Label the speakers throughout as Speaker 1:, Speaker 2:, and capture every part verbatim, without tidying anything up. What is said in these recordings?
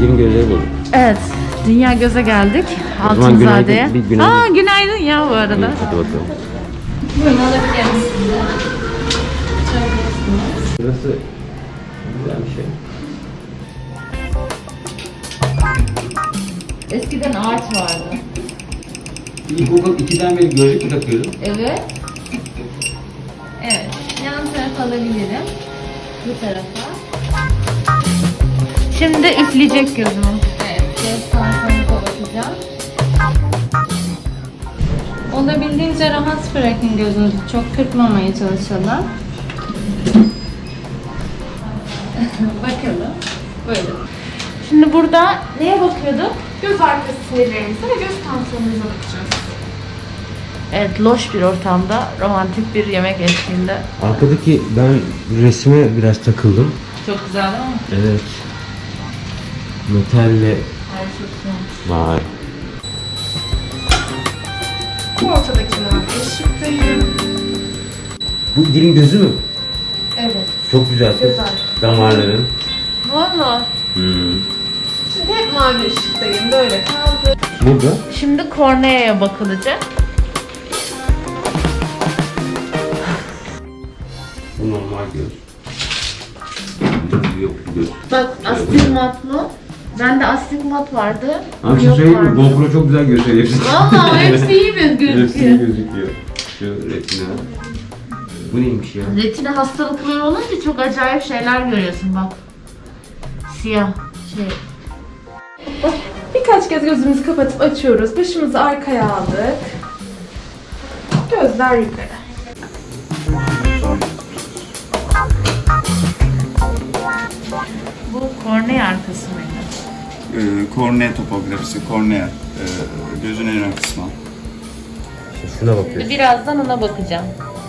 Speaker 1: Eşlerin gözleri bozuk.
Speaker 2: Evet. Dünya göze geldik. Altınzade'ye. Günaydın, günaydın. Aa günaydın ya bu arada.
Speaker 1: İyi, hadi bakalım.
Speaker 2: Buyurun alabiliriz.
Speaker 1: Burası güzel bir şey.
Speaker 2: Eskiden ağaç vardı.
Speaker 1: İlkokul ikiden beri gözlük mü takıyordun?
Speaker 2: Evet. Evet. Yan tarafa alabilirim. Bu tarafa. Şimdi üfleyecek gözümü. Evet. Göz tansiyonu kapatacağım. Olabildiğince rahat bırakın gözünüzü. Çok kırpmamaya çalışalım. Bakalım. Buyurun. Şimdi burada neye bakıyorduk?
Speaker 3: Göz arkası sinirlerimize ve göz tansiyonumuza bakacağız.
Speaker 2: Evet, loş bir ortamda, romantik bir yemek eşliğinde.
Speaker 1: Arkadaki ben resme biraz takıldım.
Speaker 2: Çok güzel değil mi?
Speaker 1: Evet. Metalle.
Speaker 2: Ay çok güzel.
Speaker 1: Vay.
Speaker 3: Ortadakinden ışıktayım.
Speaker 1: Bu dilin gözü mü?
Speaker 3: Evet.
Speaker 1: Çok güzel.
Speaker 3: Göz arkası.
Speaker 1: Damarların.
Speaker 2: Valla.
Speaker 1: Hmm.
Speaker 3: Şimdi hep mavi ışıktayım. Böyle kaldı.
Speaker 1: Burada?
Speaker 2: Şimdi korneaya bakılacak.
Speaker 1: Bu normal göz. Göz yok göz.
Speaker 2: Bak astigmatlı. Bende astigmat vardı.
Speaker 1: Abi şu
Speaker 2: Yok
Speaker 1: söyleyeyim mi?
Speaker 2: vardı.
Speaker 1: GoPro çok güzel gösteriyor hepsini.
Speaker 2: Valla hepsi iyi bir
Speaker 1: Hepsi
Speaker 2: gözüküyor.
Speaker 1: gözüküyor. Şu retina. Bu neymiş ya?
Speaker 2: Retina hastalıkları olunca çok acayip şeyler görüyorsun bak. Siyah şey.
Speaker 3: Birkaç kez gözümüzü kapatıp açıyoruz. Başımızı arkaya aldık. Gözler yukarı.
Speaker 2: Bu kornea arkası mıydı?
Speaker 4: Ee, kornea topografisi, kornea, e, gözün en ön kısmı.
Speaker 1: Şuna bakıyorsun.
Speaker 2: Birazdan ona bakacağım.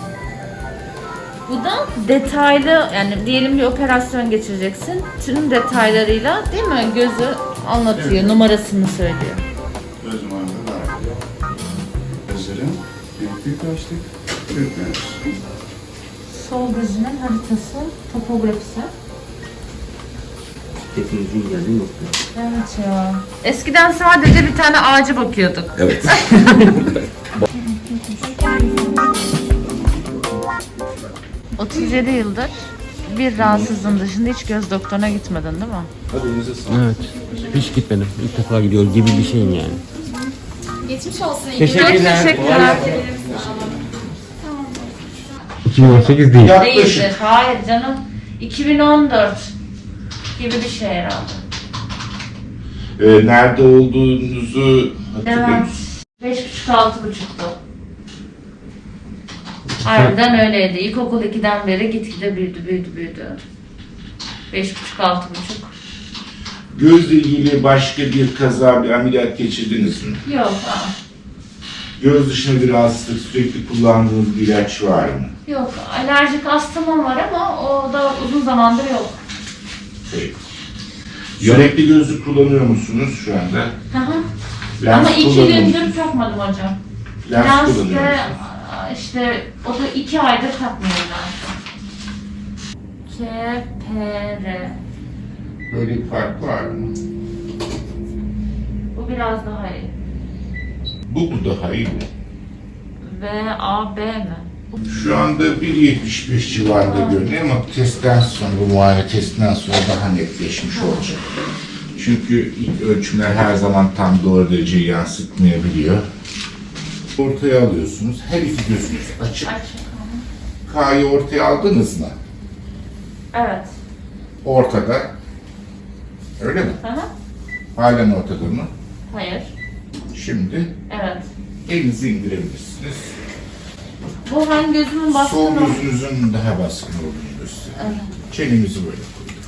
Speaker 2: Bu da detaylı, yani diyelim bir operasyon geçireceksin. Tüm detaylarıyla değil mi? Gözü anlatıyor,
Speaker 4: Evet.
Speaker 2: numarasını söylüyor.
Speaker 4: Göz numaranı da gözlerin büyük büyük açtık, büyütmüyoruz.
Speaker 2: Sol gözünün haritası, topografisi.
Speaker 1: Hepinizin geldiği nokta.
Speaker 2: Evet ya. Eskiden sadece bir tane ağaca bakıyorduk.
Speaker 1: Evet.
Speaker 2: otuz yedi yıldır bir rahatsızlığın dışında hiç göz doktoruna gitmedin değil mi?
Speaker 4: Hadi elinize sağlık.
Speaker 1: Evet. Hiç gitmedim. İlk defa gidiyor gibi bir şeyim yani.
Speaker 3: Geçmiş olsun.
Speaker 1: Teşekkürler.
Speaker 2: Teşekkürler.
Speaker 1: iki bin on sekiz değil.
Speaker 2: Değildir. Hayır canım. iki bin on dört gibi bir şey herhalde.
Speaker 5: Ee, nerede olduğunuzu hatırlıyor
Speaker 2: Evet.
Speaker 5: musunuz?
Speaker 2: Beş buçuk altı buçuktu. Harbiden öyleydi. İlkokul ikiden beri gitgide büyüdü büyüdü büyüdü. Beş buçuk altı buçuk.
Speaker 5: Gözle ilgili başka bir kaza, bir ameliyat geçirdiniz mi?
Speaker 2: Yok. Aa.
Speaker 5: Göz dışında bir rahatsızlık, sürekli kullandığınız bir ilaç var mı?
Speaker 2: Yok. Alerjik astımım var ama o da uzun zamandır yok.
Speaker 5: Peki. Yönekli gözlük kullanıyor musunuz şu anda?
Speaker 2: Hı hı.
Speaker 5: Lens
Speaker 2: Ama iki
Speaker 5: kullanıyor musunuz?
Speaker 2: gündür takmadım hocam.
Speaker 5: Lens
Speaker 2: Lens
Speaker 5: kullanıyor
Speaker 2: de
Speaker 5: musunuz?
Speaker 2: işte o da iki aydır takmıyorum ben. K, P, R.
Speaker 5: Böyle bir fark var mı?
Speaker 2: Bu biraz daha iyi.
Speaker 5: Bu mu daha iyi mi?
Speaker 2: V, A, B mi?
Speaker 5: Şu anda bir yetmiş beş civarında görünüyor ama testten sonra, bu muayene testinden sonra daha netleşmiş olacak. Çünkü ilk ölçümler her zaman tam doğru dereceyi yansıtmayabiliyor. Ortaya alıyorsunuz. Her iki gözünüz açık.
Speaker 2: Aç.
Speaker 5: K'yı ortaya aldınız mı?
Speaker 2: Evet.
Speaker 5: Ortada. Öyle mi?
Speaker 2: Hı hı.
Speaker 5: Halen ortada mı?
Speaker 2: Hayır.
Speaker 5: Şimdi
Speaker 2: Evet.
Speaker 5: elinizi indirebilirsiniz.
Speaker 2: Bu hangi gözümün
Speaker 5: Sol
Speaker 2: baskını?
Speaker 5: gözünüzün daha baskın olduğunu gösteriyor.
Speaker 2: Evet.
Speaker 5: Çenemizi böyle koyduk.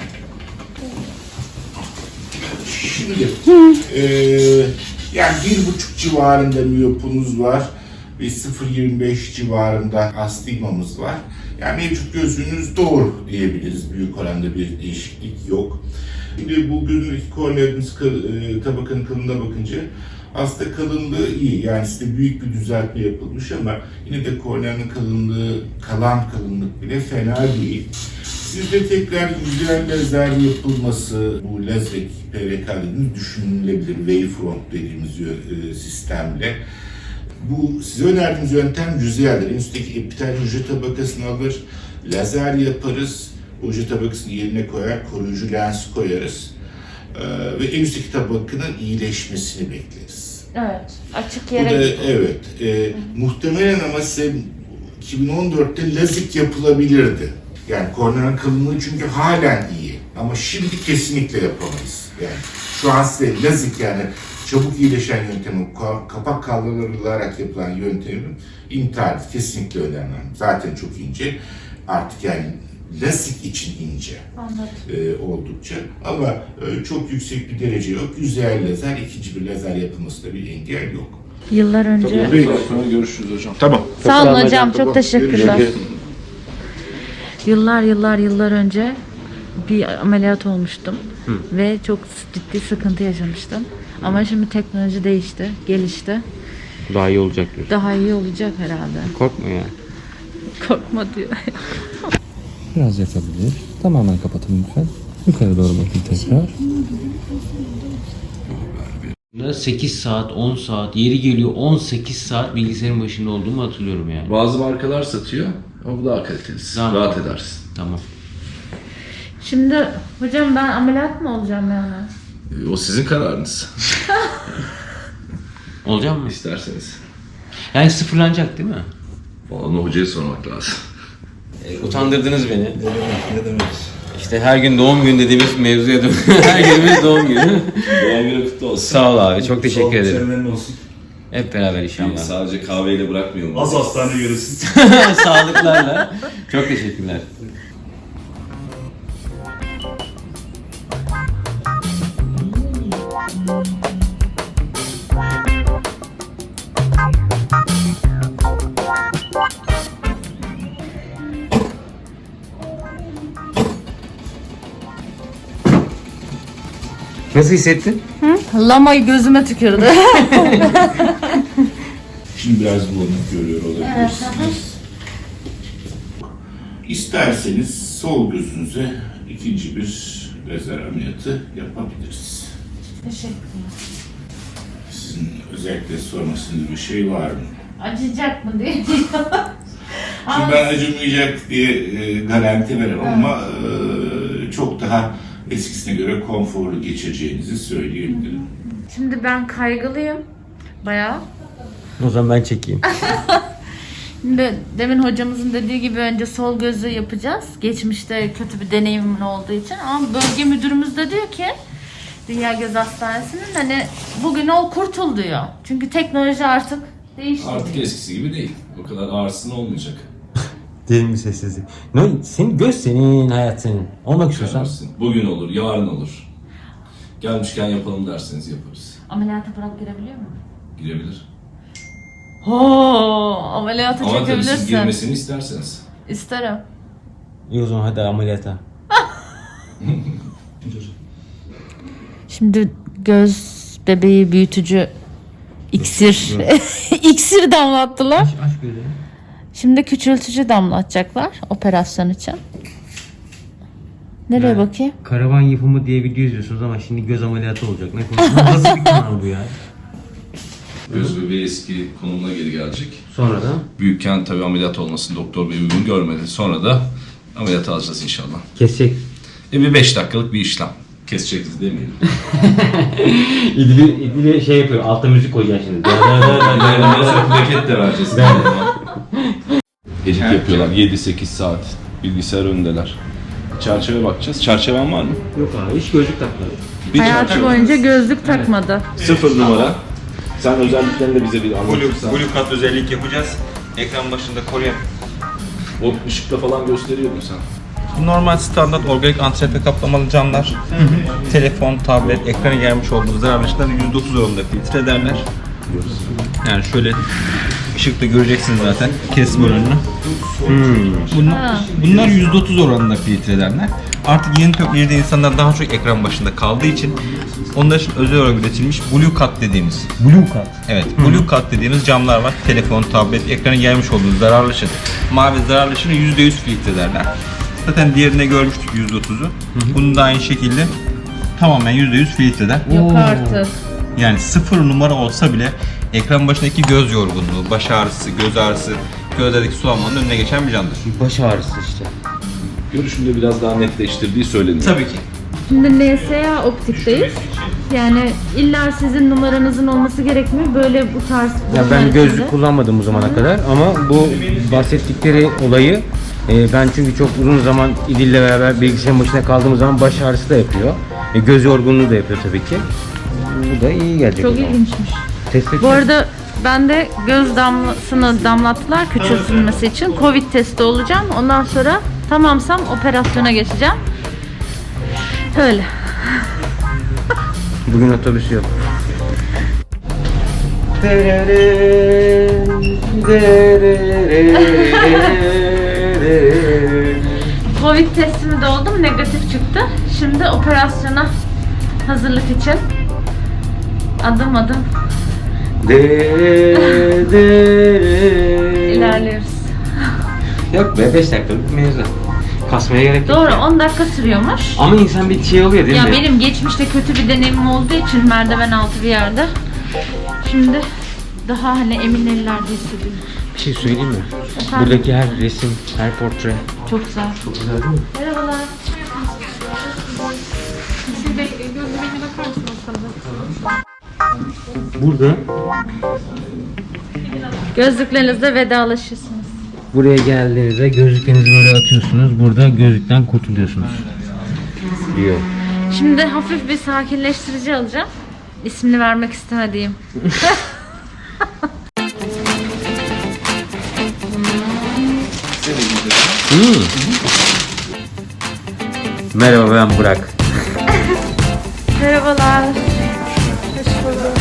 Speaker 5: Şimdi eee yani bir buçuk civarında miyopunuz var ve sıfır virgül yirmi beş civarında astigmamız var. Yani mevcut gözünüz doğru diyebiliriz. Büyük oranda bir değişiklik yok. Şimdi bu gözündeki korneamız tabakanın kalınlığına bakınca aslında kalınlığı iyi. Yani size büyük bir düzeltme yapılmış ama yine de korneanın kalınlığı, kalan kalınlık bile fena değil. Sizde tekrar güzel lazer yapılması, bu lazer P R K dediğimiz düşünülebilir. Wavefront dediğimiz e, sistemle. Bu size önerdiğimiz yöntem yüzeyler. En üstteki epitel hücre tabakasını alır, lazer yaparız. O hücre tabakasını yerine koyar, koruyucu lens koyarız. Ee, ve en üstteki tabakanın iyileşmesini bekleriz.
Speaker 2: Evet. Açık
Speaker 5: Bu
Speaker 2: yere
Speaker 5: da evet. E, muhtemelen ama size iki bin on dörtte lazik yapılabilirdi. Yani korneanın kalınlığı çünkü halen iyi. Ama şimdi kesinlikle yapamayız. Yani şu an size lazik, yani çabuk iyileşen yöntemin, kapak kaldırılarak yapılan yöntemin intihar kesinlikle önemli. Zaten çok ince. Artık yani lasik için ince. E, oldukça. Ama e, çok yüksek bir derece yok. Yüzeyel lazer, ikinci bir lazer yapılmasında bir engel yok.
Speaker 2: Yıllar önce.
Speaker 5: Tamam,
Speaker 4: Sonra görüşürüz hocam.
Speaker 5: Tamam.
Speaker 2: Sağ olun hocam, çok teşekkürler.
Speaker 5: Görüşürüz.
Speaker 2: Yıllar yıllar yıllar önce bir ameliyat olmuştum ve çok ciddi sıkıntı yaşamıştım. Ama şimdi teknoloji değişti, gelişti.
Speaker 1: Daha iyi olacak diyor.
Speaker 2: Daha iyi olacak herhalde.
Speaker 1: Korkma ya.
Speaker 2: Korkma diyor.
Speaker 6: Biraz yatabilir. Tamamen kapatın lütfen. Yukarı doğru bakın tekrar.
Speaker 1: sekiz saat, on saat, yeri geliyor on sekiz saat bilgisayarın başında olduğumu hatırlıyorum yani.
Speaker 7: Bazı markalar satıyor ama bu daha kalitelisi.
Speaker 1: Tamam.
Speaker 7: Rahat edersin.
Speaker 1: Tamam.
Speaker 2: Şimdi hocam ben ameliyat mı olacağım yani?
Speaker 7: Ee, O sizin kararınız.
Speaker 1: Olacak mı?
Speaker 7: İsterseniz.
Speaker 1: Yani sıfırlanacak değil mi?
Speaker 7: Onu hocaya sormak lazım.
Speaker 1: Utandırdınız beni. Ne demek, ne demek? İşte her gün doğum günü dediğimiz mevzuya dön. Her günümüz doğum günü.
Speaker 7: Doğum günü kutlu olsun.
Speaker 1: Sağ ol abi, çok teşekkür ederim.
Speaker 8: Serüvenin olsun.
Speaker 1: Hep beraber inşallah.
Speaker 7: Sadece kahveyle bırakmıyorum.
Speaker 8: Az hastane görürsün.
Speaker 1: Sağlıklarla. Çok teşekkürler. Nasıl hissettin?
Speaker 2: Lamayı gözüme tükürdü.
Speaker 5: Şimdi biraz bulanık görüyor olabilirsiniz. İsterseniz sol gözünüze ikinci bir lazer ameliyatı yapabiliriz.
Speaker 2: Teşekkürler.
Speaker 5: Sizin özellikle sormak istediğiniz bir şey var mı?
Speaker 2: Acıyacak mı diye.
Speaker 5: Şimdi ben acımayacak diye e, garanti veremem ama e, çok daha eskisine göre konforlu geçireceğinizi söyleyebilirim.
Speaker 2: Şimdi ben kaygılıyım. Bayağı.
Speaker 1: O zaman ben çekeyim.
Speaker 2: Şimdi demin hocamızın dediği gibi önce sol gözü yapacağız. Geçmişte kötü bir deneyimin olduğu için. Ama bölge müdürümüz de diyor ki Dünya Göz Hastanesi'nin hani bugün ol kurtul diyor. Çünkü teknoloji artık değişti.
Speaker 7: Artık eskisi gibi değil. O kadar ağrısın olmayacak.
Speaker 1: Derin bir sessizlik. No, senin göz senin, hayat senin. Olmak istiyorsan.
Speaker 7: Ağrısın. Bugün olur, yarın olur. Gelmişken yapalım derseniz yaparız.
Speaker 2: Ameliyata bırak girebiliyor mu?
Speaker 7: Girebilir.
Speaker 2: Oo, ameliyata
Speaker 7: Ama tabii siz
Speaker 2: çekebilirsin.
Speaker 7: girmesini isterseniz.
Speaker 2: İsterim.
Speaker 1: İyi o zaman hadi ameliyata.
Speaker 2: Şimdi göz bebeği büyütücü iksir iksir damlattılar.
Speaker 1: Aç gözünü.
Speaker 2: Şimdi küçültücü damlatacaklar operasyon için. Nereye
Speaker 1: Ha.
Speaker 2: bakayım?
Speaker 1: Karavan yapımı diye video izliyorsunuz ama şimdi göz ameliyatı olacak. Ne konuşuyorsun? Nasıl bir kanal bu ya?
Speaker 7: Göz bebeği eski konumuna geri gelecek.
Speaker 1: Sonra da
Speaker 7: Büyükken tabii ameliyat olmasını doktor bey uygun görmedi. Sonra da ameliyat alacağız inşallah.
Speaker 1: kesecek.
Speaker 7: E bir beş dakikalık bir işlem. Keseceğiz demeyelim.
Speaker 1: İdili, İdili şey yapıyor. Altta müzik koyacaksın şimdi.
Speaker 7: Mesela plaket de vereceğiz. Edit yapıyorlar. yedi sekiz saat bilgisayar önündeler. Çerçeve bakacağız. Çerçeven var mı?
Speaker 1: Yok abi hiç gözlük takmadı.
Speaker 7: Bir
Speaker 2: Hayatı
Speaker 7: çerçeve.
Speaker 2: boyunca gözlük takmadı.
Speaker 7: Sıfır numara. Sen özelliklerini de bize bir anlatırsan.
Speaker 9: Blue Cut özellik yapacağız. Ekran başında koruyan.
Speaker 7: O ışıkta falan gösteriyordun sen.
Speaker 9: Bu normal standart organik antrepe kaplamalı camlar. Telefon, tablet, ekranı gelmiş olduğu zarar ışıkları yüzde otuz oranında filtre ederler. Yani şöyle ışıkta göreceksiniz zaten kesim oranını. Bunlar, bunlar yüzde otuz oranında filtre ederler. Artık yeni teknolojide insanlar daha çok ekran başında kaldığı için onlar için özel olarak üretilmiş Blue Cut dediğimiz.
Speaker 1: Blue Cut.
Speaker 9: Evet, Blue Cut dediğimiz camlar var. Telefon, tablet, ekranın gelmiş olduğu zararlı ışık. Mavi zararlı ışığını yüzde yüz filtre ederler. Zaten diğerine görmüştük yüzde otuzu. Bunun da aynı şekilde tamamen yüzde yüz filtreden.
Speaker 2: Yok artık.
Speaker 9: Yani sıfır numara olsa bile ekran başındaki göz yorgunluğu, baş ağrısı, göz ağrısı, gözlerdeki sulanmanın önüne geçen bir candır.
Speaker 1: Baş ağrısı işte.
Speaker 7: Görüşünde biraz daha netleştirdiği söyleniyor.
Speaker 9: Tabii ki.
Speaker 2: Şimdi N S A optikteyiz. Yani illa sizin numaranızın olması gerekmiyor. Böyle bu tarz
Speaker 1: Ya ben gözlük kullanmadım bu zamana kadar ama bu bahsettikleri olayı e, ben çünkü çok uzun zaman İdil'le beraber bilgisayarın başına kaldığımız zaman baş ağrısı da yapıyor. E, göz yorgunluğu da yapıyor tabii ki. Bu da iyi gelecek.
Speaker 2: çok
Speaker 1: o zaman.
Speaker 2: ilginçmiş.
Speaker 1: Test edeceğim.
Speaker 2: Bu arada ben de göz damlasını damlattılar küçültülmesi için. Covid testi olacağım. Ondan sonra tamamsam operasyona geçeceğim. Öyle.
Speaker 1: Bugün otobüs yok.
Speaker 2: Covid testimi de oldum. Negatif çıktı. Şimdi operasyona hazırlık için adım adım ilerliyoruz.
Speaker 1: Yok be beş dakikalık mevzu. Kasmaya gerek yok.
Speaker 2: Doğru, on dakika sürüyormuş.
Speaker 1: Ama insan bir şey oluyor değil
Speaker 2: Ya
Speaker 1: mi?
Speaker 2: benim geçmişte kötü bir deneyimim olduğu için merdiven altı bir yerde. Şimdi daha hani emin ellerde hissediyorum.
Speaker 1: Bir şey söyleyeyim mi?
Speaker 2: Efendim?
Speaker 1: Buradaki her resim, her portre
Speaker 2: Çok güzel.
Speaker 1: çok güzel değil mi?
Speaker 2: Merhabalar.
Speaker 1: Burada
Speaker 2: Gözlüklerinizle vedalaşırsınız.
Speaker 1: buraya geldiğinizde gözlüklerinizi böyle atıyorsunuz. Burada gözlükten kurtuluyorsunuz. Diyor.
Speaker 2: Şimdi hafif bir sakinleştirici alacağım. İsmini vermek istemediğim.
Speaker 1: Hmm. Merhaba ben Burak.
Speaker 2: Merhabalar. Hoş bulduk.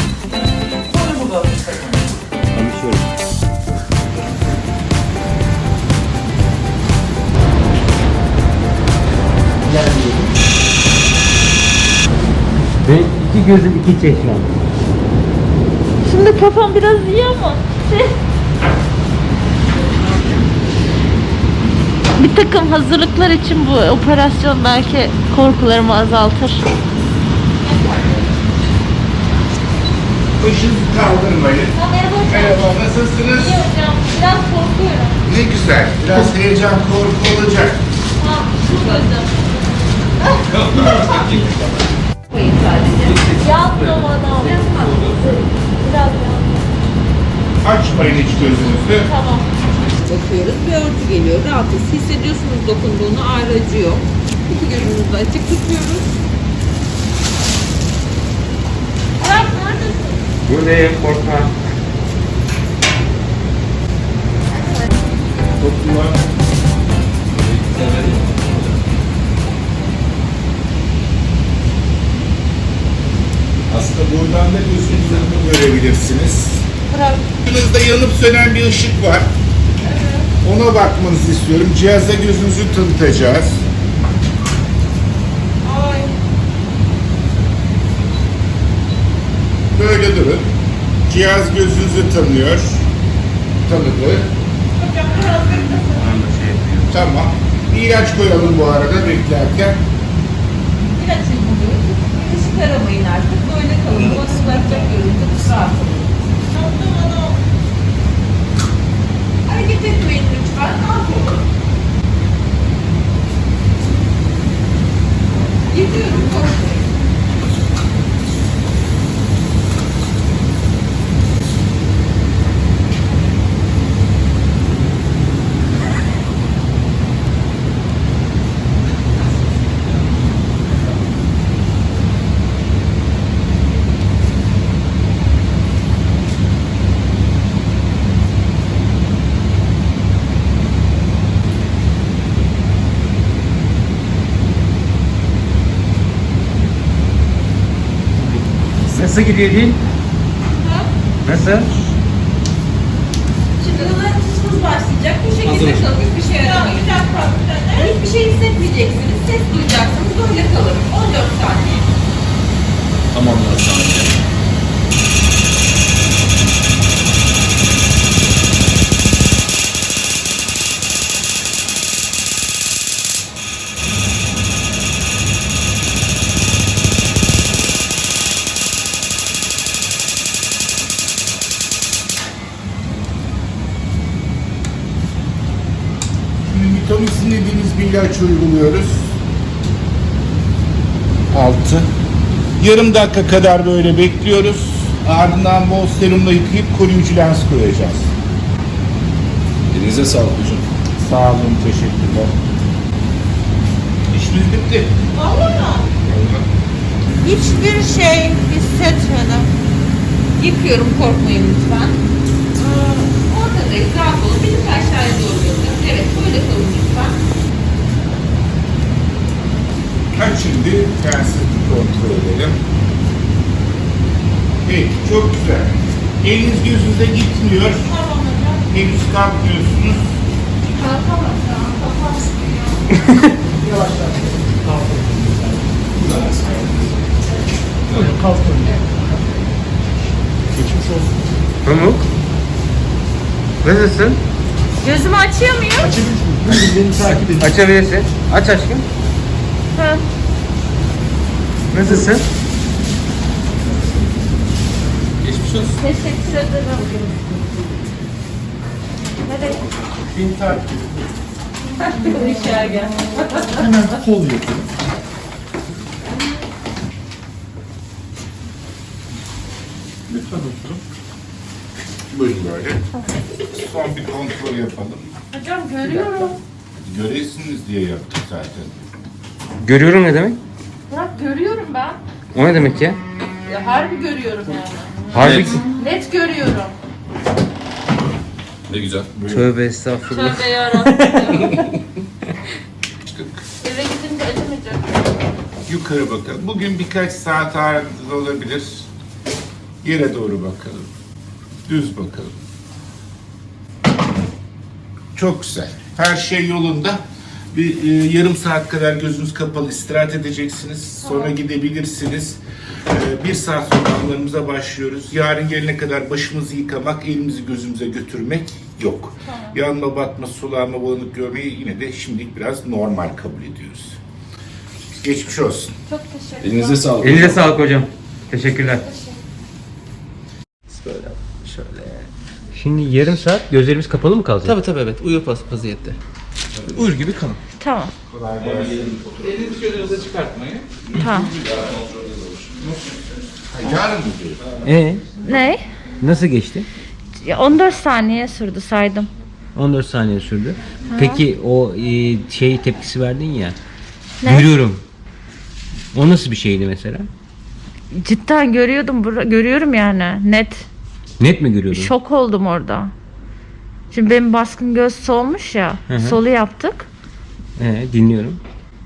Speaker 1: Benim iki gözüm iki çeşmem.
Speaker 2: Şimdi kafam biraz iyi ama şey... Bir takım hazırlıklar için bu operasyon belki korkularımı azaltır.
Speaker 5: Başınızı kaldırmayın.
Speaker 2: Merhaba hocam.
Speaker 5: Merhaba, nasılsınız?
Speaker 2: İyi hocam. Biraz korkuyorum.
Speaker 5: Ne güzel. Biraz heyecan, korku olacak.
Speaker 2: Ha, şu gözüm. Koyun sadece. Yapma bana. Biraz
Speaker 5: Açmayın hiç gözünüzü.
Speaker 2: tamam.
Speaker 8: Bakıyoruz, bir örtü geliyor. Rahatız. Hissediyorsunuz dokunduğunu, ağrı acı yok. İki gözümüzü de açık tutuyoruz.
Speaker 2: Burak neredesin?
Speaker 1: Buradayım korkma.
Speaker 5: Aslında buradan da gözünüzü görebilirsiniz.
Speaker 2: Burak.
Speaker 5: Gözünüzde yanıp sönen bir ışık var. Ona bakmanızı istiyorum. Cihazda gözünüzü tanıtacağız.
Speaker 2: Ay.
Speaker 5: Böyle durun. Cihaz gözünüzü tanıyor. Tanıdı.
Speaker 2: Hocam biraz beklesin.
Speaker 5: Tamam. Bir ilaç koyalım bu arada beklerken.
Speaker 8: İlaç yapıyoruz. Işık aramayın artık. Böyle kalın. Bu ıslatacak görüntü. Rahat olun. Hareket etmeyin lütfen. Rahat olun. Gidiyorum. Korkmayın.
Speaker 1: Nasıl gidiyor değil? Nasıl?
Speaker 8: Şimdi hızımız başlayacak. Bu şekilde kalın. Hiçbir şey aramayın. Hiçbir şey hissetmeyeceksiniz. Ses duyacaksınız. Böyle kalın. on dört saniye.
Speaker 7: Tamamlar sadece.
Speaker 5: Ritomycin dediğimiz bir ilaç uyguluyoruz. altı. Yarım dakika kadar böyle bekliyoruz. Ardından bol serumla yıkayıp koruyucu lens koyacağız.
Speaker 7: Elinize sağlık hocam.
Speaker 5: Sağ olun, teşekkürler. İşimiz bitti.
Speaker 8: Vallahi hiçbir şey hissetmedim. Yıkıyorum, korkmayın lütfen. Ee, ortadayız, rahat olun. Bir tık aşağıya doğru götürün. Evet, böyle kalın lütfen.
Speaker 5: Ha, şimdi lensi kontrol edelim. Evet, çok güzel. Eliniz gözünüze gitmiyor.
Speaker 8: Tamam hocam.
Speaker 5: Henüz kalkmıyorsunuz.
Speaker 8: Kalkamam şu an. Kafam sıkıyor.
Speaker 1: Pamuk. Nasılsın?
Speaker 2: Gözümü açıyor muyum?
Speaker 1: Açabilirsin. Aç aşkım.
Speaker 2: Hı.
Speaker 1: Nasılsın?
Speaker 2: Teşekkür ederim. Nereye?
Speaker 5: Bin takip.
Speaker 2: Dışarı gel.
Speaker 5: Sol yapın. Lütfen oturun. Buyurun böyle. Son bir kontrol yapalım.
Speaker 2: Hocam görüyorum.
Speaker 5: Göresiniz diye yaptık zaten.
Speaker 1: Görüyorum ne demek?
Speaker 2: Bırak görüyorum ben.
Speaker 1: O ne demek ya?
Speaker 2: Ya harbi görüyorum yani.
Speaker 1: Harbi.
Speaker 2: Net görüyorum.
Speaker 7: Ne güzel.
Speaker 1: Tövbe estağfurullah.
Speaker 2: Tövbe yarabbim. Eve gidince acımayacak.
Speaker 5: Yukarı bakalım. Bugün birkaç saat ağrınız olabilir. Yere doğru bakalım. Düz bakalım. Çok güzel. Her şey yolunda. Bir e, yarım saat kadar gözünüz kapalı istirahat edeceksiniz. Sonra gidebilirsiniz. E, bir saat sonra anlarımıza başlıyoruz. Yarın gelene kadar başımızı yıkamak, elimizi gözümüze götürmek yok. Yanma, batma, sulanma, bulanık görmeyi yine de şimdilik biraz normal kabul ediyoruz. Geçmiş olsun.
Speaker 2: Çok teşekkür
Speaker 7: Elinize sağlık.
Speaker 1: Elinize sağlık hocam. Teşekkürler.
Speaker 6: Böyle şöyle.
Speaker 1: Şimdi yarım saat gözlerimiz kapalı mı kalacak?
Speaker 6: Tabii tabii evet. Uyur vaziyette. Uyur gibi kalın.
Speaker 2: Tamam.
Speaker 6: Elinizi gözünüze çıkartmayın.
Speaker 2: Tamam.
Speaker 5: Yarın mı diyor?
Speaker 1: Ee,
Speaker 2: Ne?
Speaker 1: nasıl geçti?
Speaker 2: Ya on dört saniye sürdü saydım.
Speaker 1: on dört saniye sürdü. Peki o e, şey tepkisi verdin ya.
Speaker 2: Ne?
Speaker 1: Görüyorum. O nasıl bir şeydi mesela?
Speaker 2: Cidden görüyordum, bura- görüyorum yani net.
Speaker 1: Net mi görüyordun?
Speaker 2: Şok oldum orada. Şimdi benim baskın göz solmuş ya.
Speaker 1: Hı hı.
Speaker 2: Solu yaptık.
Speaker 1: Ee, dinliyorum.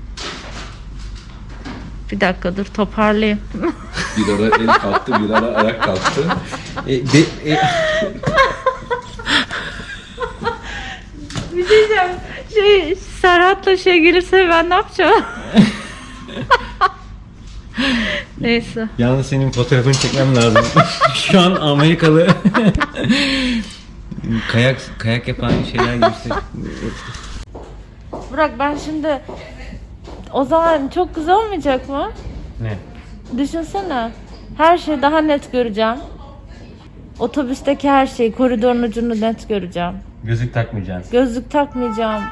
Speaker 2: Bir dakika dur toparlayayım.
Speaker 7: Bir ara el kalktı, bir ara ayak kalktı.
Speaker 1: E, de- e,
Speaker 2: Bir şey diyeceğim. Şey, Serhat'la şey gelirse ben ne yapacağım? Neyse.
Speaker 1: Yalnız senin fotoğrafını çekmem lazım. Şu an Amerikalı kayak kayak yapan şeyler gibi. işte.
Speaker 2: Burak ben şimdi o zaman çok güzel olmayacak mı?
Speaker 1: Ne?
Speaker 2: Düşünsene. Her şeyi daha net göreceğim. Otobüsteki her şeyi, koridorun ucunu net göreceğim.
Speaker 1: Gözlük takmayacaksın.
Speaker 2: Gözlük takmayacağım.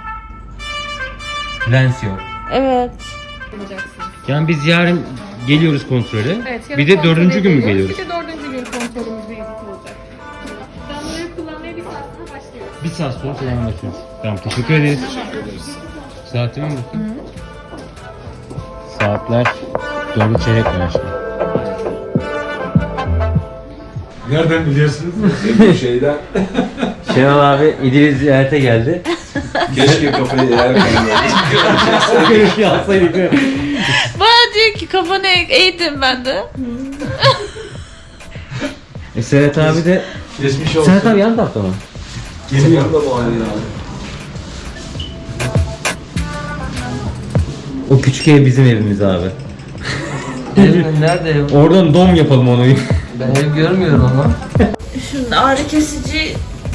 Speaker 1: Lens yok.
Speaker 2: Evet.
Speaker 1: Yani biz yarın geliyoruz kontrole.
Speaker 3: Evet, yarın
Speaker 1: bir de
Speaker 3: kontrole
Speaker 1: dördüncü gün mü
Speaker 3: geliyoruz.
Speaker 1: geliyoruz?
Speaker 3: Bir de dördüncü gün kontrolümüz birlikte olacak. Damlayı kullanmaya bir saat sonra başlıyoruz.
Speaker 1: Bir saat sonra falan başlıyoruz. Tamam, teşekkür ederiz. Saatime mi bakayım? Saatler dördü çeyrek var aşkım.
Speaker 7: Nereden biliyorsunuz? Bu şeyden.
Speaker 1: Şenol abi İdil'i ziyarete geldi.
Speaker 7: Keşke kafayı eğer
Speaker 1: O görüşü alsaydık.
Speaker 2: Bana diyor ki kafanı eğdim ben de.
Speaker 1: E Serhat abi de...
Speaker 7: Geçmiş olsun.
Speaker 1: Serhat abi yan tarafta mı?
Speaker 7: Geliyorum da bu halde abi.
Speaker 1: O küçük ev bizim evimiz abi.
Speaker 10: Evim nerede ev?
Speaker 1: Oradan dom yapalım onu.
Speaker 10: Ben ev görmüyorum ama.
Speaker 2: Şimdi ağrı kesici...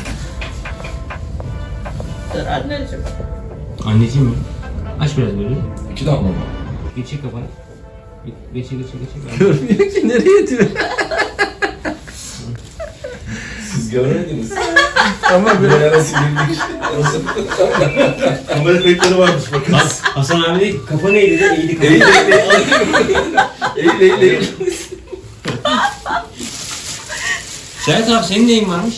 Speaker 2: Dur anneciğim.
Speaker 1: Anneciğim mi? Aç biraz böyle.
Speaker 7: İki damla mı?
Speaker 1: Geçir kafanı. Geçir geçir geçir.
Speaker 10: Görmüyor ki nereye diyor.
Speaker 7: Siz görmediniz.
Speaker 6: Ama böyle
Speaker 5: Nasıl girdik?
Speaker 6: kamera kayıtları varmış bakın.
Speaker 1: Hasan abi de kafa neydi de iyiydi kafa.
Speaker 6: Eğil eğil eğil eğil.
Speaker 1: Şahit abi senin neyin varmış?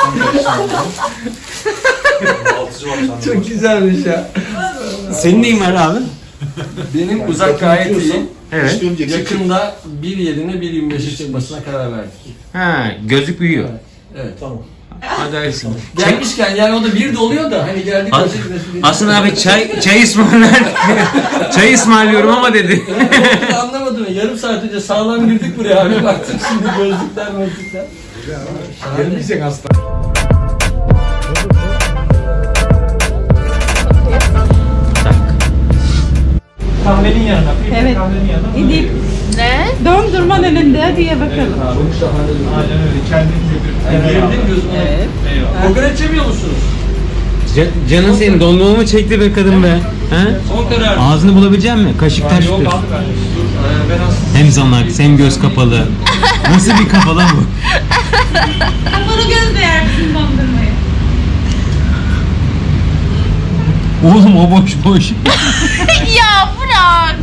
Speaker 6: Çok güzelmiş ya.
Speaker 1: Senin neyin var abi?
Speaker 10: Benim uzak gayet iyi.
Speaker 1: Evet.
Speaker 10: Yakında bir yerine bir yirmi beşe çıkmasına karar verdik.
Speaker 1: Ha, gözlük büyüyor.
Speaker 10: Evet tamam.
Speaker 1: Hadi hayırlısı.
Speaker 10: Gelmişken yani o da bir de oluyor da hani geldik
Speaker 1: Has-
Speaker 10: önce gidelim.
Speaker 1: Hasan abi çay çay ısmarlar. Çay ısmarlıyorum ama dedi.
Speaker 10: Evet, anlamadım ya. Yarım saat önce sağlam girdik buraya abi. Baktım şimdi gözlükler gözlükler.
Speaker 6: Gelmeyecek hasta.
Speaker 9: Kahvenin yanına.
Speaker 3: Evet.
Speaker 9: Kahvenin yanına.
Speaker 3: İdil.
Speaker 2: Ne?
Speaker 3: Dondurman önünde diye bakalım.
Speaker 10: Çok şahane.
Speaker 9: Aynen öyle. Kendinize bir
Speaker 10: Yani girdim gözüme.
Speaker 3: Evet.
Speaker 9: Eyvallah.
Speaker 10: Kokoreç yemiyor musunuz?
Speaker 1: Ca- canın senin dondurma mı çekti be kadın be? He?
Speaker 10: Son karar.
Speaker 1: Ağzını bulabilecek misin? Kaşık taş
Speaker 9: Yok
Speaker 1: tut.
Speaker 9: abi ben. Dur. Ben aslında
Speaker 1: Hem zanak hem göz kapalı. Nasıl bir kafa lan bu?
Speaker 3: Kapalı göz değer bizim dondurmayı.
Speaker 1: Oğlum o boş boş.
Speaker 2: Ya bırak.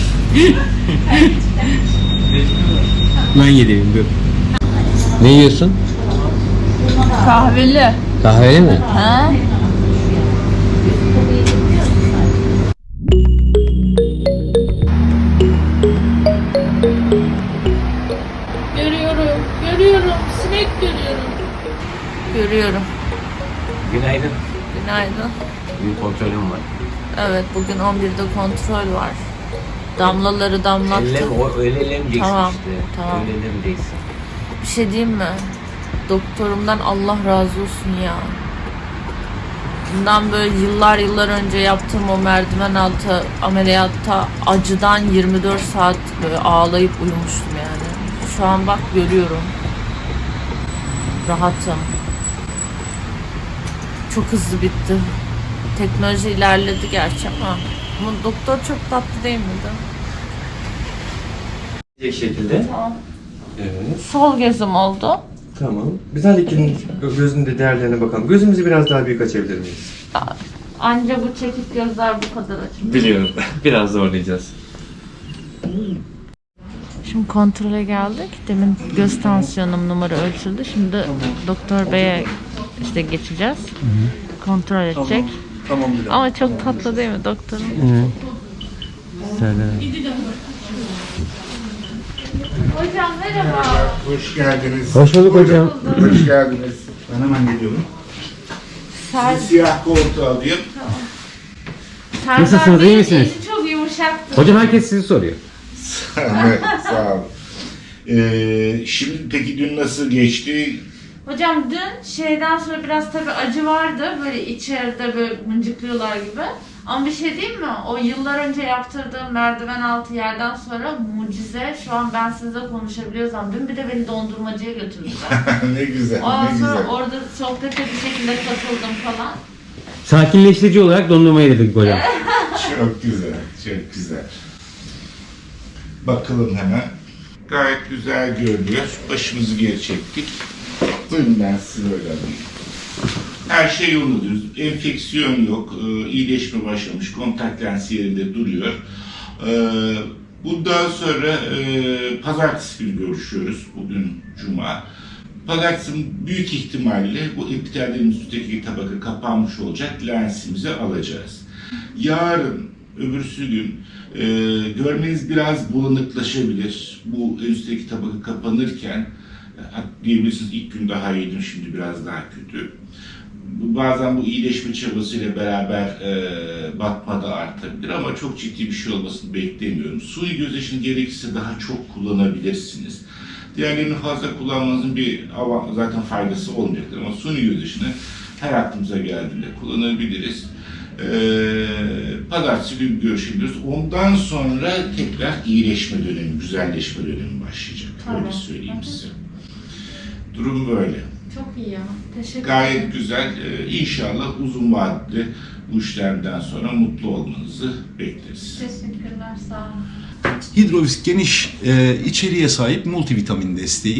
Speaker 1: Ben yedim dur. Ne yiyorsun?
Speaker 2: Kahveli.
Speaker 1: Kahveli mi?
Speaker 2: Ha?
Speaker 3: Görüyorum, görüyorum. Sinek görüyorum.
Speaker 2: Görüyorum.
Speaker 1: Günaydın.
Speaker 2: Günaydın.
Speaker 1: Bir kontrolüm var.
Speaker 2: Evet, bugün on birde kontrol var. Damlaları damlattı.
Speaker 1: öyle elemeyeceksin
Speaker 2: Tamam, tamam.
Speaker 1: Öyle elemeyeceksin.
Speaker 2: Bir şey diyeyim mi? Doktorumdan Allah razı olsun ya. Bundan böyle yıllar yıllar önce yaptığım o merdiven altı ameliyatta acıdan yirmi dört saat böyle ağlayıp uyumuştum yani. Şu an bak görüyorum. Rahatım. Çok hızlı bitti. Teknoloji ilerledi gerçi ama ama doktor çok tatlı değil miydi?
Speaker 6: Bir şekilde.
Speaker 2: Tamam.
Speaker 6: Evet.
Speaker 2: Sol gözüm oldu.
Speaker 6: Tamam. Biz her ikinin gözünün de değerlerine bakalım. Gözümüzü biraz daha büyük açabilir miyiz?
Speaker 2: Anca bu çekik gözler bu kadar açılıyor.
Speaker 6: Biliyorum. Biraz zorlayacağız.
Speaker 2: Şimdi kontrole geldik. Demin göz tansiyonum numara ölçüldü. Şimdi doktor beye işte geçeceğiz. Kontrol edecek.
Speaker 6: Tamam.
Speaker 2: Ama çok tatlı değil mi doktorum? Hocam merhaba.
Speaker 5: Hoş geldiniz.
Speaker 1: Hoş bulduk hocam.
Speaker 5: Hoş geldiniz. Ben hemen geliyorum.
Speaker 2: Ser,
Speaker 5: Bir siyah koltuğu alayım.
Speaker 2: Serdar
Speaker 1: Nasılsınız, iyi
Speaker 2: Bey'in
Speaker 1: misiniz?
Speaker 2: eli çok yumuşaktı.
Speaker 1: Hocam herkes sizi soruyor.
Speaker 5: Evet, sağ olun. Ee, şimdi peki dün nasıl geçti?
Speaker 2: Hocam dün şeyden sonra biraz tabii acı vardı. Böyle içeride böyle mıncıklıyorlar gibi. Ama bir şey diyeyim mi? O yıllar önce yaptırdığım merdiven altı yerden sonra mucize. Şu an ben sizinle konuşabiliyorsam. Dün bir de beni dondurmacıya götürdüler.
Speaker 5: Ne güzel,
Speaker 2: Ondan
Speaker 5: ne
Speaker 2: sonra
Speaker 5: güzel.
Speaker 2: orada sohbete bir şekilde katıldım falan.
Speaker 1: Sakinleştirici olarak dondurmayı dedik hocam.
Speaker 5: Çok güzel, çok güzel. Bakalım hemen. Gayet güzel görünüyor. Başımızı geri çektik. Buyurun ben sizi böyle alayım. Her şey yolundadır. Enfeksiyon yok. Ee, iyileşme başlamış. Kontak lens yerinde duruyor. Ee, bundan sonra e, pazartesi günü görüşüyoruz. Bugün cuma. Pazartesi büyük ihtimalle bu epidermin üstteki tabaka kapanmış olacak. Lensimizi alacağız. Yarın, öbürsü gün e, görmeniz biraz bulanıklaşabilir. Bu en üstteki tabaka kapanırken e, diyebilirsiniz ilk gün daha iyiydim, şimdi biraz daha kötü. Bazen bu iyileşme çabasıyla beraber e, batma da artabilir ama çok ciddi bir şey olmasını beklemiyorum. Suni gözyaşını gerekirse daha çok kullanabilirsiniz. Diğerlerini fazla kullanmanızın bir av- zaten faydası olmayacaktır ama suni gözyaşını her aklımıza geldiğinde kullanabiliriz. Ee, Pazartesi günü görüşebiliriz. Ondan sonra tekrar iyileşme dönemi, güzelleşme dönemi başlayacak.
Speaker 2: Tamam.
Speaker 5: Öyle söyleyeyim size. Durum böyle.
Speaker 2: Çok iyi ya. Teşekkür
Speaker 5: Gayet
Speaker 2: ederim.
Speaker 5: güzel. Ee, İnşallah uzun vadede bu işlemden sonra mutlu olmanızı bekleriz.
Speaker 2: Teşekkürler, sağ olun.
Speaker 11: Hidrovis geniş e, içeriğe sahip multivitamin desteği.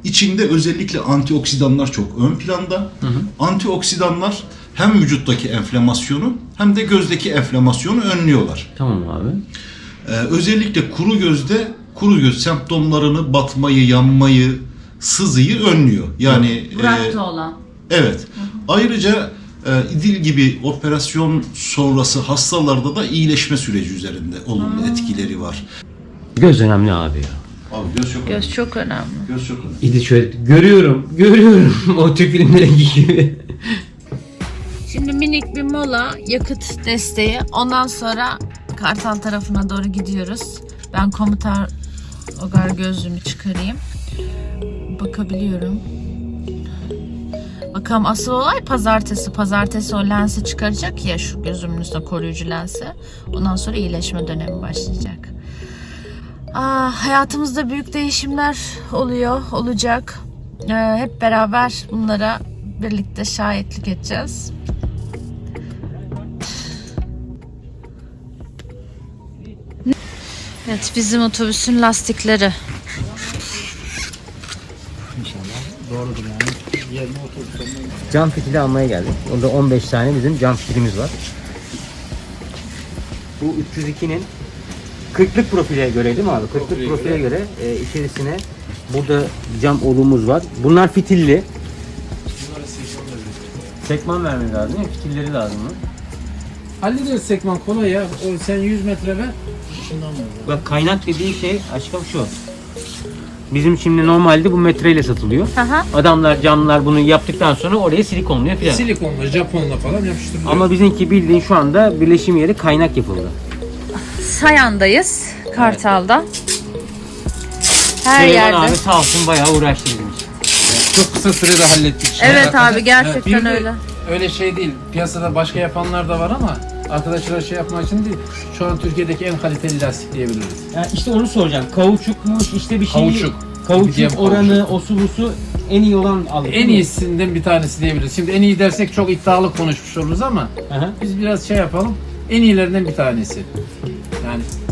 Speaker 11: İçinde özellikle antioksidanlar çok ön planda. Hı hı. Antioksidanlar hem vücuttaki enflamasyonu hem de gözdeki enflamasyonu önlüyorlar.
Speaker 1: Tamam abi.
Speaker 11: Ee, özellikle kuru gözde kuru göz semptomlarını, batmayı, yanmayı, sızıyı önlüyor. Yani
Speaker 2: Burak'ta
Speaker 11: e,
Speaker 2: olan.
Speaker 11: evet. Hı hı. Ayrıca e, İdil gibi operasyon sonrası hastalarda da iyileşme süreci üzerinde olumlu hmm. etkileri var.
Speaker 1: Göz önemli abi ya.
Speaker 11: Abi göz çok önemli.
Speaker 2: Göz çok önemli.
Speaker 11: Göz çok önemli.
Speaker 1: İdil şöyle görüyorum, görüyorum o Türk filmlerindeki gibi.
Speaker 2: Şimdi minik bir mola, yakıt desteği. Ondan sonra Kartal tarafına doğru gidiyoruz. Ben komutar ogar gözlüğümü çıkarayım. Bakabiliyorum. Bakalım asıl olay pazartesi. Pazartesi o lensi çıkaracak ya, şu gözümün üstüne koruyucu lensi. Ondan sonra iyileşme dönemi başlayacak. Aa, hayatımızda büyük değişimler oluyor, olacak. Ee, hep beraber bunlara birlikte şahitlik edeceğiz. Evet, bizim otobüsün lastikleri.
Speaker 10: Doğrudur yani. Yerine otobüs.
Speaker 1: Cam fitili almaya geldik. Onda on beş tane bizim cam fitilimiz var. Bu üç yüz ikinin kırklık profile göre değil mi abi? kırklık profile göre e, içerisine burada cam olumuz var. Bunlar fitilli. Sekman vermeniz lazım değil mi? Fitilleri lazım mı?
Speaker 10: Hallederiz sekman kolay ya. O sen yüz metre ver. Şundan ver.
Speaker 1: Bak kaynak dediği şey aşkım şu. Bizim şimdi normalde bu metreyle satılıyor.
Speaker 2: Aha.
Speaker 1: Adamlar camlar bunu yaptıktan sonra oraya silikonluyor filan.
Speaker 10: Silikonla, Japonla falan yapıştırılıyor.
Speaker 1: Ama bizimki bildiğin şu anda birleşim yeri kaynak yapıldı.
Speaker 2: Sayan'dayız, Kartal'da. Her
Speaker 1: Süleyman
Speaker 2: yerde.
Speaker 1: abi sağ olsun bayağı uğraştı bizim için.
Speaker 10: Çok kısa sürede hallettik.
Speaker 2: Evet abi, gerçekten
Speaker 10: Bir de
Speaker 2: öyle.
Speaker 10: Öyle şey değil. Piyasada başka yapanlar da var ama arkadaşlar şey yapmak için değil. Şu an Türkiye'deki en kaliteli lastik diyebiliriz.
Speaker 1: Yani işte onu soracağım. Kauçukmuş işte bir şey.
Speaker 10: Kauçuk.
Speaker 1: Kauçuk
Speaker 10: Diyem,
Speaker 1: oranı,
Speaker 10: kauçuk.
Speaker 1: osu busu en iyi olan aldık.
Speaker 10: En iyisinden bir tanesi diyebiliriz. Şimdi en iyi dersek çok iddialı konuşmuş oluruz ama
Speaker 1: Aha.
Speaker 10: biz biraz şey yapalım. En iyilerinden bir tanesi. Yani